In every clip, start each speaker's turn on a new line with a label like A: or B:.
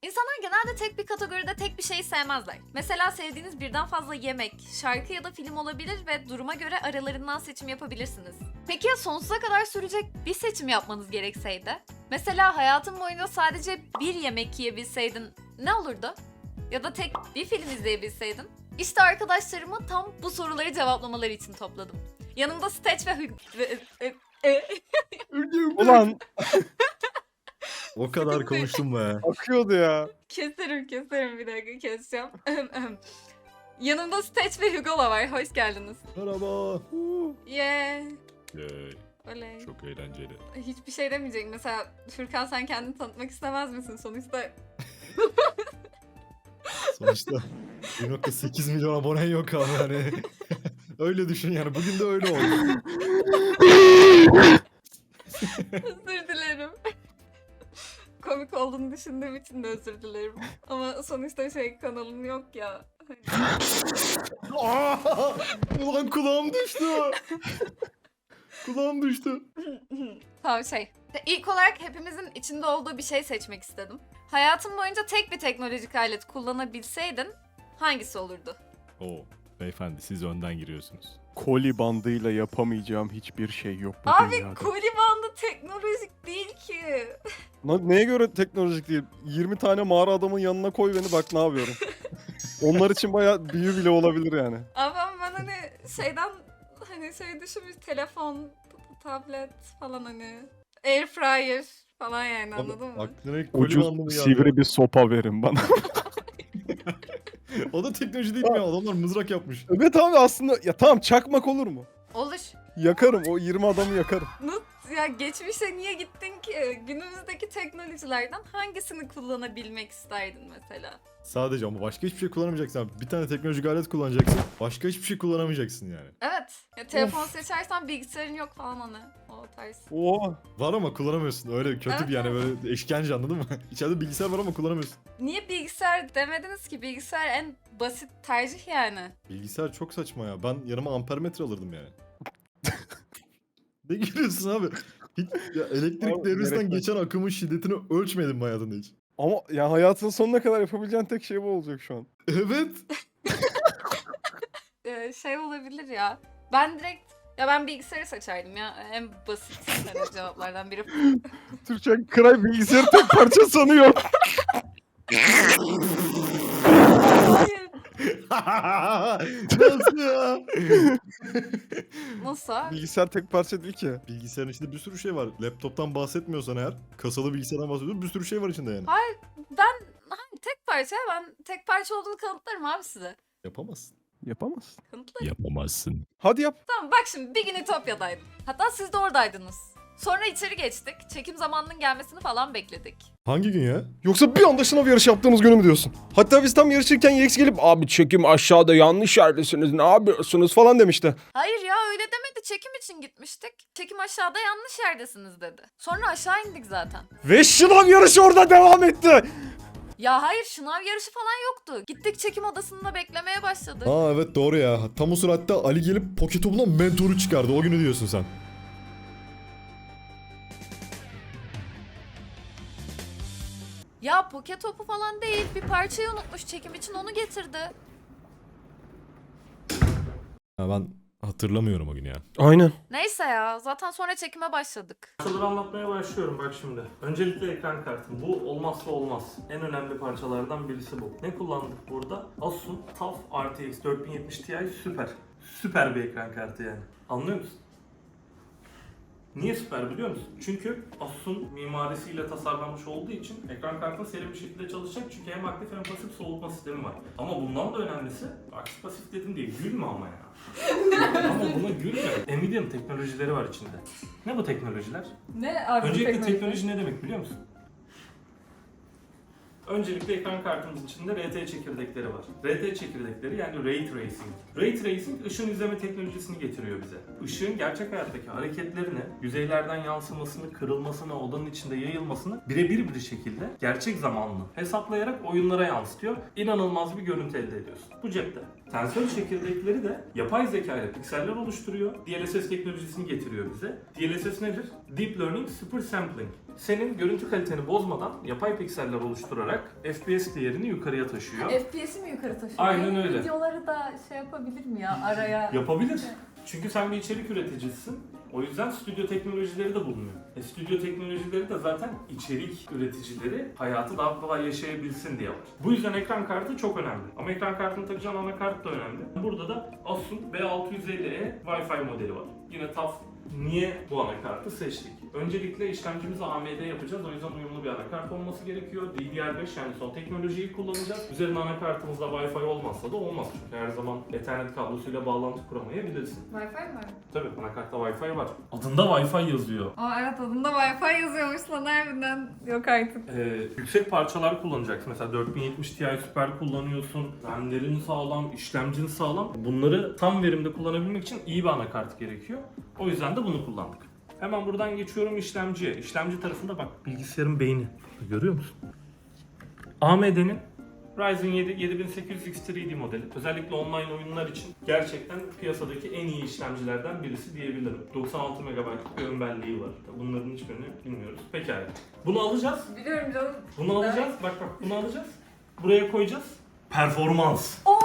A: İnsanlar genelde tek bir kategoride tek bir şeyi sevmezler. Mesela sevdiğiniz birden fazla yemek, şarkı ya da film olabilir ve duruma göre aralarından seçim yapabilirsiniz. Peki ya sonsuza kadar sürecek bir seçim yapmanız gerekseydi? Mesela hayatın boyunca sadece bir yemek yiyebilseydin ne olurdu? Ya da tek bir film izleyebilseydin? İşte arkadaşlarımı tam bu soruları cevaplamaları için topladım. Yanımda Stitch ve
B: Ulan
C: O kadar
A: Sıkıntı.
C: konuştum be.
B: akıyordu ya.
A: Keserim bir dakika keseceğim. Yanımda Stitch ve Hugo'la var. Hoş geldiniz.
C: Merhaba.
A: Yeah.
C: Yay,
A: Oley.
C: çok eğlenceli.
A: Hiçbir şey demeyecek. Mesela Furkan sen kendini tanıtmak istemez misin? Sonuçta
C: Sonuçta 1.8 milyon abonen yok abi hani. Öyle düşün yani. Bugün de öyle oldu.
A: özür dilerim. Komik olduğunu düşündüğüm için de özür dilerim. Ama sonuçta kanalın yok ya.
C: Ulan kulağım düştü. Kulağım düştü.
A: Tamam İlk olarak hepimizin içinde olduğu bir şey seçmek istedim. Hayatın boyunca tek bir teknolojik alet kullanabilseydin hangisi olurdu?
C: Oo, beyefendi siz önden giriyorsunuz.
B: Koli bandıyla yapamayacağım hiçbir şey yok bu
A: Abi
B: dünyada.
A: koli bandı teknolojik değil ki.
B: Neye göre teknolojik değil? 20 tane mağara adamın yanına koy beni bak ne yapıyorum. Onlar için bayağı büyü bile olabilir yani.
A: Ama ben düşünmüş telefon, tablet falan air fryer falan yani anladın mı?
C: Aklına ilk koli bandı mı
B: Ucuz
C: geldi?
B: sivri bir sopa verin bana.
C: O da teknoloji değil mi ya? Adamlar mızrak yapmış.
B: Evet abi aslında ya tamam çakmak olur mu?
A: Olur.
B: Yakarım o 20 adamı yakarım.
A: Ya geçmişe niye gittin ki? Günümüzdeki teknolojilerden hangisini kullanabilmek isterdin mesela?
C: Sadece ama başka hiçbir şey kullanamayacaksın abi. Bir tane teknolojik alet kullanacaksın. Başka hiçbir şey kullanamayacaksın yani.
A: Evet. Ya telefon seçersen bilgisayarın yok falan o tarz.
B: Oha.
C: Var ama kullanamıyorsun. Öyle kötü
A: Evet,
C: bir yani böyle işkence anladın mı? İçeride bilgisayar var ama kullanamıyorsun.
A: Niye bilgisayar demediniz ki? Bilgisayar en basit tercih yani.
C: Bilgisayar çok saçma ya. Ben yanıma ampermetre alırdım yani. Ne gülüyorsun abi? Hiç ya elektrik
B: Abi,
C: devresinden
B: gerek yok.
C: geçen akımın şiddetini ölçmedin mi hayatında hiç?
B: Ama ya hayatın sonuna kadar yapabileceğin tek şey bu olacak şu an.
C: Evet.
A: Olabilir ya. Ben bilgisayarı seçerdim ya. En basit cevaplardan biri.
B: Türkçe Kray bilgisayarı tek parça sanıyor.
A: Hayır.
C: Nasıl ya?
A: Nasıl?
B: Bilgisayar tek parça değil ki.
C: Bilgisayarın içinde bir sürü şey var. Laptoptan bahsetmiyorsan eğer, kasalı bilgisayardan bahsediyorsan bir sürü şey var içinde yani.
A: Ben tek parça olduğunu kanıtlarım abi size.
C: Yapamazsın.
B: Yapamazsın.
A: Kanıtlarım.
C: Yapamazsın.
B: Hadi yap.
A: Tamam bak şimdi bir gün Ütopya'daydım. Hatta siz de oradaydınız. Sonra içeri geçtik. Çekim zamanının gelmesini falan bekledik.
C: Hangi gün ya?
B: Yoksa bir anda sınav yarışı yaptığımız günü mü diyorsun? Hatta biz tam yarışırken Yex gelip abi çekim aşağıda yanlış yerdesiniz ne yapıyorsunuz falan demişti.
A: Hayır ya öyle demedi. Çekim için gitmiştik. Çekim aşağıda yanlış yerdesiniz dedi. Sonra aşağı indik zaten.
B: Ve sınav yarışı orada devam etti.
A: Ya hayır şınav yarışı falan yoktu. Gittik çekim odasında beklemeye başladık.
C: Aa evet doğru ya. Tam o sırada Ali gelip poket topuna mentoru çıkardı. O günü diyorsun sen.
A: Ya poke topu falan değil. Bir parçayı unutmuş çekim için onu getirdi.
C: Ha, ben hatırlamıyorum o günü ya.
B: Aynen.
A: Neyse ya zaten sonra çekime başladık.
D: Parçaları anlatmaya başlıyorum bak şimdi. Öncelikle ekran kartı. Bu olmazsa olmaz. En önemli parçalardan birisi bu. Ne kullandık burada? Asus'un TUF RTX 4070 Ti süper. Süper bir ekran kartı yani. Anlıyor musun? Niye süper biliyor musun? Çünkü Asus'un mimarisiyle tasarlanmış olduğu için ekran kartı seri bir şekilde çalışacak. Çünkü hem aktif hem pasif soğutma sistemi var. Ama bundan da önemlisi, aktif pasif dedim diye gülme ama ya. Ama buna gülme. Nvidia'nın teknolojileri var içinde. Ne bu teknolojiler?
A: Ne abi
D: Öncelikle teknoloji ne demek biliyor musun? Öncelikle ekran kartımızın içinde RT çekirdekleri var. RT çekirdekleri yani Ray Tracing. Ray Tracing ışın izleme teknolojisini getiriyor bize. Işığın gerçek hayattaki hareketlerini, yüzeylerden yansımasını, kırılmasını, odanın içinde yayılmasını birebir bir şekilde gerçek zamanlı hesaplayarak oyunlara yansıtıyor. İnanılmaz bir görüntü elde ediyorsun. Bu cepte. Tensör çekirdekleri de yapay zeka ile pikseller oluşturuyor. DLSS teknolojisini getiriyor bize. DLSS nedir? Deep Learning Super Sampling. senin görüntü kaliteni bozmadan yapay pikseller oluşturarak FPS değerini yukarıya taşıyor.
A: FPS'i mi yukarı taşıyor?
D: Aynen
A: Benim
D: öyle.
A: Videoları da şey yapabilir mi ya araya?
D: Yapabilir. Çünkü sen bir içerik üreticisisin. O yüzden stüdyo teknolojileri de bulunuyor. Stüdyo teknolojileri de zaten içerik üreticileri hayatı daha kolay yaşayabilsin diye var. Bu yüzden ekran kartı çok önemli. Ama ekran kartını takacağın anakart da önemli. Burada da Asus B650E Wi-Fi modeli var. Yine TUF. Niye bu anakartı seçtik? Öncelikle işlemcimizi AMD yapacağız. O yüzden uyumlu bir anakart olması gerekiyor. DDR5 yani son teknolojiyi kullanacağız. Üzerine anakartımızda Wi-Fi olmazsa da olmaz. Çünkü her zaman Ethernet kablosuyla bağlantı kuramayabilirsin.
A: Wi-Fi mi var?
D: Tabii anakartta Wi-Fi var. Adında Wi-Fi yazıyor.
A: Aa evet adında Wi-Fi yazıyormuş lan harbiden. Yok artık.
D: Yüksek parçalar kullanacaksın. Mesela 4070 Ti Super kullanıyorsun. RAM'lerin sağlam, işlemcin sağlam. Bunları tam verimde kullanabilmek için iyi bir anakart gerekiyor. O yüzden de bunu kullandık. Hemen buradan geçiyorum işlemciye. İşlemci tarafında bak bilgisayarın beyni. Görüyor musun? AMD'nin Ryzen 7 7800X 3D modeli. Özellikle online oyunlar için gerçekten piyasadaki en iyi işlemcilerden birisi diyebilirim. 96 MB bir ön belleği var. Bunların hiçbirini bilmiyoruz. Pekala. Bunu alacağız.
A: Biliyorum canım.
D: Bunu alacağız. Bak bunu alacağız. Buraya koyacağız. Performans.
A: Oo!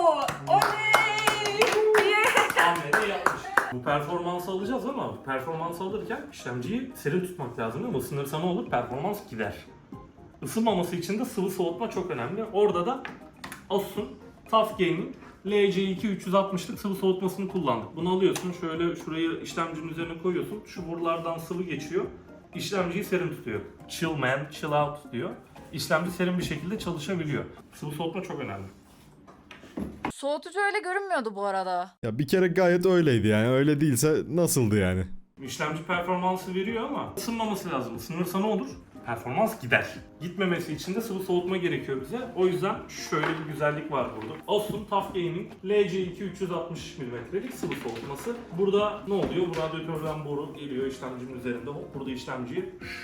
A: Oley! Yeah!
D: AMD yapmış. Bu performansı alacağız ama performans alırken işlemciyi serin tutmak lazım değil mi? Isınırsa ne olur? Performans gider. Isınmaması için de sıvı soğutma çok önemli. Orada da Asus'un TUF Gaming LC2 360'lık sıvı soğutmasını kullandık. Bunu alıyorsun, şöyle şurayı işlemcinin üzerine koyuyorsun. Şu borulardan sıvı geçiyor. İşlemciyi serin tutuyor. Chill man, chill out diyor. İşlemci serin bir şekilde çalışabiliyor. Sıvı soğutma çok önemli.
A: Soğutucu öyle görünmüyordu bu arada.
C: Ya bir kere gayet öyleydi yani. Öyle değilse nasıldı yani?
D: İşlemci performansı veriyor ama ısınmaması lazım. Isınırsa ne olur? Performans gider. Gitmemesi için de sıvı soğutma gerekiyor bize. O yüzden şöyle bir güzellik var burada. Asus'un TUF Gaming LC2 360 mm'lik sıvı soğutması. Burada ne oluyor? Bu radyatörden boru geliyor işlemcinin üzerinde. Hop burada işlemciyi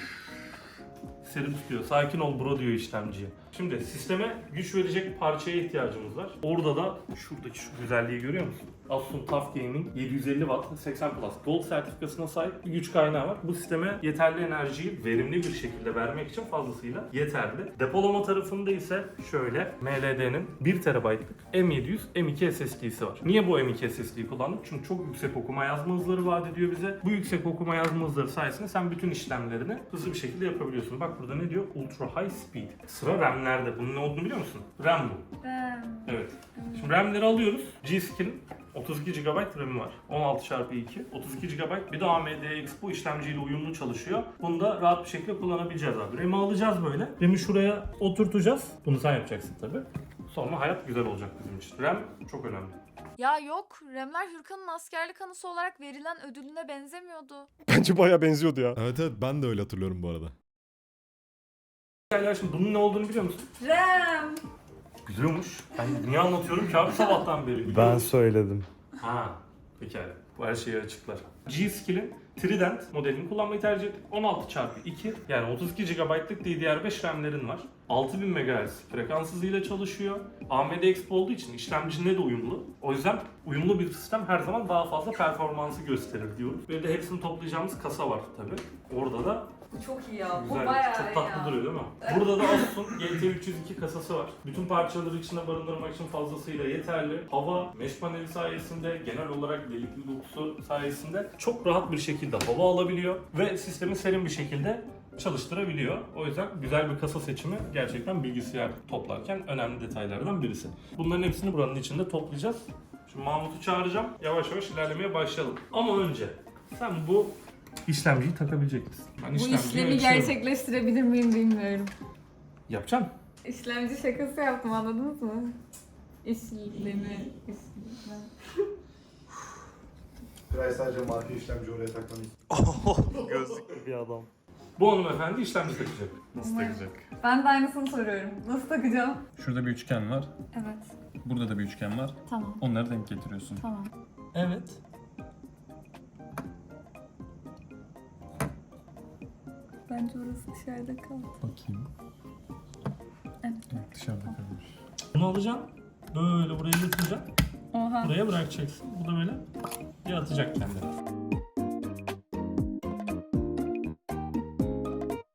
D: serin tutuyor. Sakin ol bro diyor işlemciye. Şimdi sisteme güç verecek parçaya ihtiyacımız var. Orada da şuradaki şu güzelliği görüyor musun? Asus'un TUF Gaming 750 Watt 80 Plus Gold sertifikasına sahip bir güç kaynağı var. Bu sisteme yeterli enerjiyi verimli bir şekilde vermek için fazlasıyla yeterli. Depolama tarafında ise şöyle MLD'nin 1 TB'lık M700 M2 SSD'si var. Niye bu M2 SSD'yi kullandık? Çünkü çok yüksek okuma yazma hızları vaat ediyor bize. Bu yüksek okuma yazma hızları sayesinde sen bütün işlemlerini hızlı bir şekilde yapabiliyorsun. Bak burada ne diyor? Ultra High Speed. Sıra RAM'lerde. Bunun ne olduğunu biliyor musun? RAM bu. Evet. Şimdi RAM'leri alıyoruz. G-Skill'in 32 GB RAM'i var. 16x2, 32 GB. Bir de AMD Expo işlemciyle uyumlu çalışıyor. Bunu da rahat bir şekilde kullanabileceğiz abi. RAM'i alacağız böyle. RAM'i şuraya oturtacağız. Bunu sen yapacaksın tabii. Sonra hayat güzel olacak bizim için. RAM çok önemli.
A: Ya yok, Remler Hürkan'ın askerlik anısı olarak verilen ödülüne benzemiyordu.
B: Bence bayağı benziyordu ya.
C: Evet evet ben de öyle hatırlıyorum bu arada.
D: Ya şimdi bunun ne olduğunu biliyor musun?
A: Rem!
D: Biliyormuş. Ben niye anlatıyorum ki abi sabahtan beri?
E: Ben söyledim.
D: Ha, pekala. Bu her şeyi açıklar. G-Skill'in Trident modelini kullanmayı tercih ettik. 16x2 yani 32 GB'lık DDR5 RAM'lerin var. 6000 MHz frekans hızıyla çalışıyor. AMD Expo olduğu için işlemcine de uyumlu. O yüzden uyumlu bir sistem her zaman daha fazla performansı gösterir diyoruz. Ve de hepsini toplayacağımız kasa var tabi. Orada da
A: Bu çok iyi ya,
D: güzel,
A: bu bayağı
D: çok
A: iyi
D: tatlı
A: ya.
D: duruyor değil mi? Burada da Asus'un GT302 kasası var. Bütün parçaları içine barındırmak için fazlasıyla yeterli. Hava, mesh paneli sayesinde, genel olarak delikli dokusu sayesinde çok rahat bir şekilde hava alabiliyor ve sistemi serin bir şekilde çalıştırabiliyor. O yüzden güzel bir kasa seçimi gerçekten bilgisayar toplarken önemli detaylardan birisi. Bunların hepsini buranın içinde toplayacağız. Şimdi Mahmut'u çağıracağım. Yavaş yavaş ilerlemeye başlayalım. Ama önce sen bu işlemciyi takabilecek misin? Ben
A: Bu
D: işlemciyi
A: işlemi
D: ölçüyorum.
A: gerçekleştirebilir miyim bilmiyorum.
D: Yapacaksın.
A: İşlemci şakası yaptım, anladınız mı? İşlemi.
F: Biraz sadece marka işlemci oraya takmanız.
E: Gözlüklü bir adam.
D: Bu hanımefendi işlemci takacak.
E: Nasıl takacak?
A: Ben de aynısını soruyorum. Nasıl takacağım?
G: Şurada bir üçgen var.
A: Evet,
G: Burada da bir üçgen var.
A: tamam,
G: Onları denk getiriyorsun.
A: tamam.
G: Evet.
A: Bence orası dışarıda kaldı.
G: Bakayım.
A: Evet.
G: Evet, dışarıda kalmış.
D: Bunu alacaksın. Böyle buraya götüreceksin.
A: Oha.
D: Buraya bırakacaksın. Bu da böyle yatacak kendine.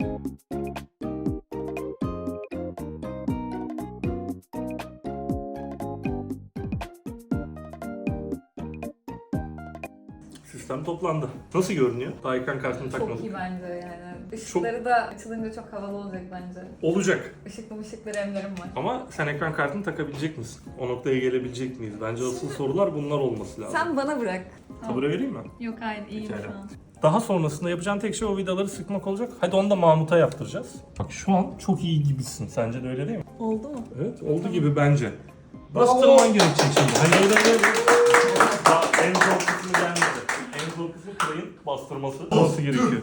D: Sistem toplandı. Nasıl görünüyor? Daha ekran kartını
A: Çok
D: takmadım.
A: iyi bence yani. Işıkları da açılınca çok havalı olacak bence.
D: Olacak.
A: Işıklı emlerim var.
D: Ama sen ekran kartını takabilecek misin? O noktaya gelebilecek miyiz? Bence asıl sorular bunlar olması lazım.
A: Sen bana bırak.
D: Tabure vereyim mi?
A: Yok hayır iyiyim
D: Pekala.
A: şu an.
D: Daha sonrasında yapacağın tek şey o vidaları sıkmak olacak. Hadi onu da Mahmut'a yaptıracağız. Bak şu an çok iyi gibisin. Sence de öyle değil mi?
A: Oldu mu?
D: Evet, oldu gibi bence. Bastırman gerekecek şimdi. Hayır. Daha en zor kısmı gelmedi. En zor kısmı kırayın bastırması. Nasıl gerekiyor?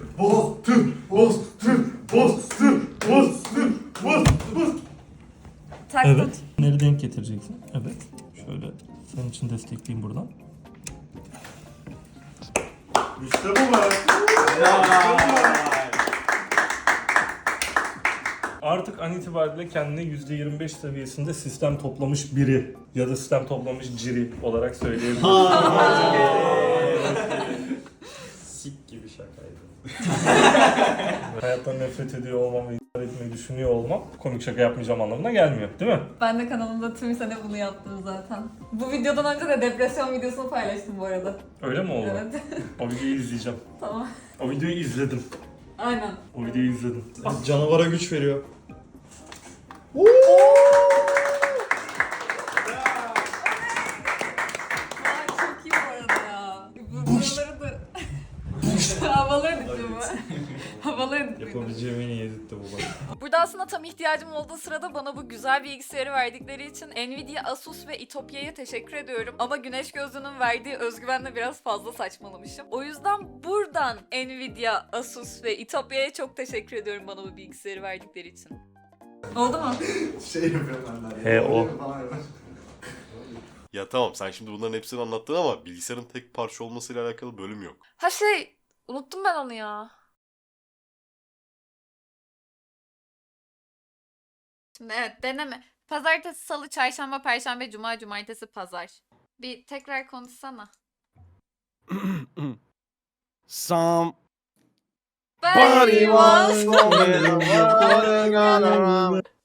A: Taktım.
D: Evet. Bunları denk getireceksin. Evet. Şöyle senin için destekleyeyim buradan.
F: İşte bu be.
D: Artık an itibariyle kendini %25 seviyesinde sistem toplamış biri ya da sistem toplamış ciri olarak söyleyebiliriz.
E: Sik gibi şakaydı.
D: Hayattan nefret ediyor olmam ve intihar etmeyi düşünüyor olmam komik şaka yapmayacağım anlamına gelmiyor değil mi?
A: Ben de kanalımda tüm sene bunu yaptım zaten. Bu videodan önce de depresyon videosunu paylaştım bu arada.
D: Öyle mi oldu?
A: Evet.
D: O videoyu izleyeceğim.
A: Tamam.
D: O videoyu izledim.
A: Aynen.
D: O videoyu izledim.
C: Canavara güç veriyor.
A: Aa, çok iyi bu arada ya. Buraları da... Havalı editli bu. Havalı editli.
C: Yapabileceğim en iyi editti bu bak.
A: Burada aslında tam ihtiyacım olduğu sırada bana bu güzel bilgisayarı verdikleri için Nvidia, Asus ve İtopya'ya teşekkür ediyorum. Ama güneş gözlüğünün verdiği özgüvenle biraz fazla saçmalamışım. O yüzden buradan Nvidia, Asus ve İtopya'ya çok teşekkür ediyorum bana bu bilgisayarı verdikleri için. Oldu mu?
F: Şey yapıyorum ben de.
E: He, o.
F: Falan yapıyorum.
H: Ya tamam sen şimdi bunların hepsini anlattın ama bilgisayarın tek parça olmasıyla alakalı bölüm yok.
A: Ha unuttum ben onu ya. Şimdi evet deneme. Pazartesi, salı, çarşamba, perşembe, cuma, cumartesi, pazar. Bir tekrar konuşsana.
B: Some
A: Body
B: was